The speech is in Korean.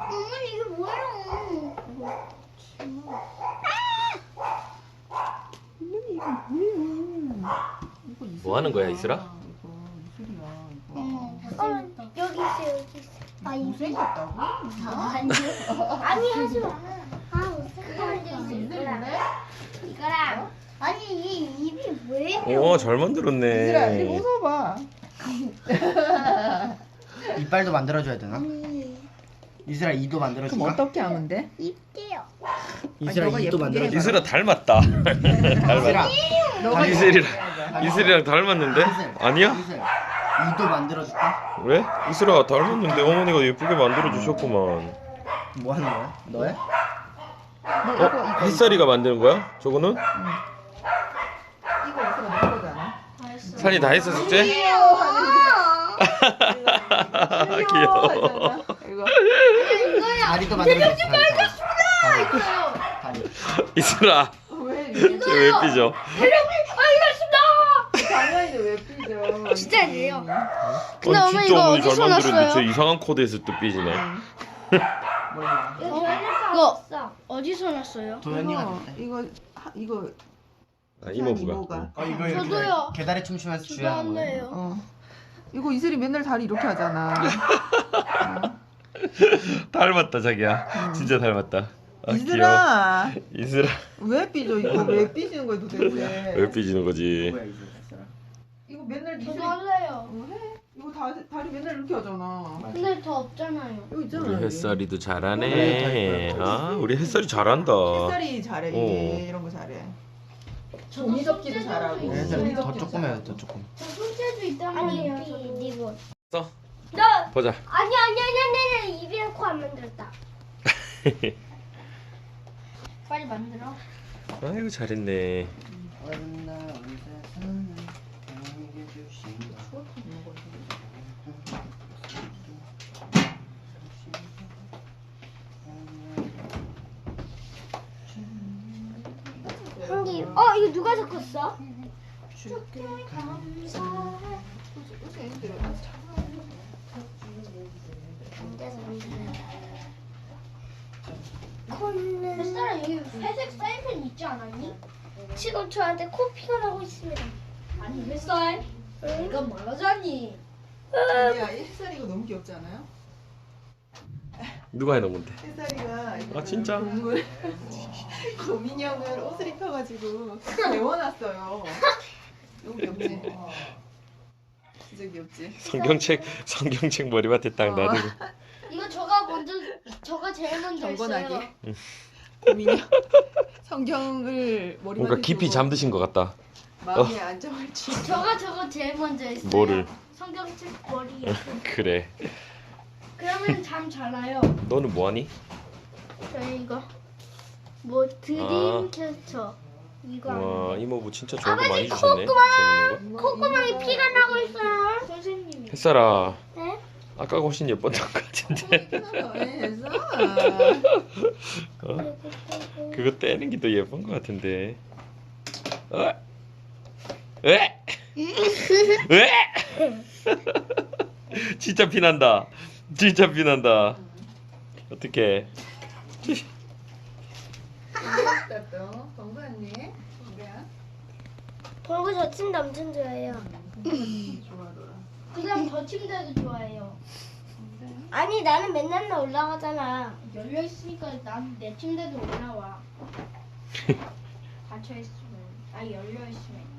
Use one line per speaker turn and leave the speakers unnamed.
어머니 이게 뭐예요?
어머니 이거 뭐야? 이거
뭐 하는 거야, 이슬아?
이거 이슬이야 이거.
여기 있어 여기 있어. 아 이게
못생겼다고?
아니 하지 마. 아 못생겼는데 이거랑 아니 이 입이 뭐예요?
오, 잘
이슬아 이리
만들었네.
웃어봐.
이빨도 만들어줘야 되나?
아니
이슬아 이도
그럼
만들어줄까?
어떻게 하면 돼?
입게요.
이슬아
너가
이도
예쁘게
만들어줄까?
이슬아 닮았다. 닮았다.
너가
이슬이랑 닮았는데? 아니야?
이슬 이도 만들어줄까?
왜? 이슬아 닮았는데 어머니가 예쁘게 만들어 주셨구만.
뭐 하는 거야? 너야?
너 이거
햇살이가 만드는 거야? 저거는?
이거 이슬아 너 거잖아.
산이 다 했어 숙제? 귀여워.
이거
다리도 만들어줄까? 다리.
이슬아
왜
쟤왜 삐져?
당연히 왜 삐져?
진짜 아니에요.
근데
엄마
진짜
이거
어머니 잘
어디서
만들었는데
났어요?
저 이상한 코드에서 또 삐지네.
몰라.
이거 어디서 났어요?
도현이가
이거
됐대.
이거
아,
이모가.
이모부가.
이거 이렇게
저도요.
계다리 춤추면서 주야하는 거예요.
어. 이거 이슬이 맨날 다리 이렇게 하잖아.
닮았다 자기야. 진짜 닮았다. 아, 귀여워.
이슬아
이슬아
왜 삐져 이거 왜 삐지는 거야 도대체?
왜 삐지는 거지?
뭐야 이슬아?
이거 맨날 이슬이
할래요.
해? 이거 다리 맨날 이렇게 하잖아.
근데 저 없잖아요.
이거 있잖아.
우리
여기.
햇살이도
그래,
잘하네.
잘
아, 우리 햇살이 잘한다.
햇살이 잘해 이게 이런 거 잘해. 종이 접기도 잘하고.
있어요.
얘들
종이
더
접기도
조그매요
잘하고.
더 조금.
저 손재주 있단 말이에요. 이거.
써?
나
보자.
아니 입에 넣고 안 만들었다. 빨리 만들어.
아이고 잘했네.
한기. 이거 누가 적었어? 햇살아 여기 회색 사인펜 있지 않았니? 지금 저한테 코피가 나고 있습니다. 아니 햇살 내가 말하자니.
야, 이 햇살이 이거 너무 귀엽지 않아요?
누가 해놓은 건데?
햇살이가 이거
아, 진짜?
동물 곰인형을 옷을 입혀가지고 배워놨어요. 너무 귀엽지? 진짜 귀엽지?
성경책 머리맡에 딱 놔두고.
이거 저가 제일 먼저
경건하게
했어요.
곰인형 성경을 머리맡에
뭔가 깊이
두고
잠드신 것 같다.
마음의 안정을 취.
저거 제일 먼저 했어요.
뭐를?
성경책 머리에.
그래.
그러면 잠 잘 와요.
너는 뭐하니?
저희 이거 뭐
아.
드림캐쳐 이거
와
하는데.
이모부 진짜 좋은 거 많이
아버지,
주셨네. 재밌는 거.
콧구멍에 피가 나고 있어요. 선생님이.
햇살아,
네?
아까 훨씬 예뻤던 것 같은데.
왜 했어?
어? 그거 떼는 게 더 예쁜 것 같은데. 어? 왜? 왜? 진짜 피난다. 진짜 피난다. 어떡해.
또 건강했니? 건강.
벌고 저 침대 엄청 좋아해요.
좋아하더라.
그다음 저 침대도 좋아해요. 아니 나는 맨날 올라가잖아. 열려 있으니까 난 내 침대도 올라와. 닫혀 있으면, 열려 있으면.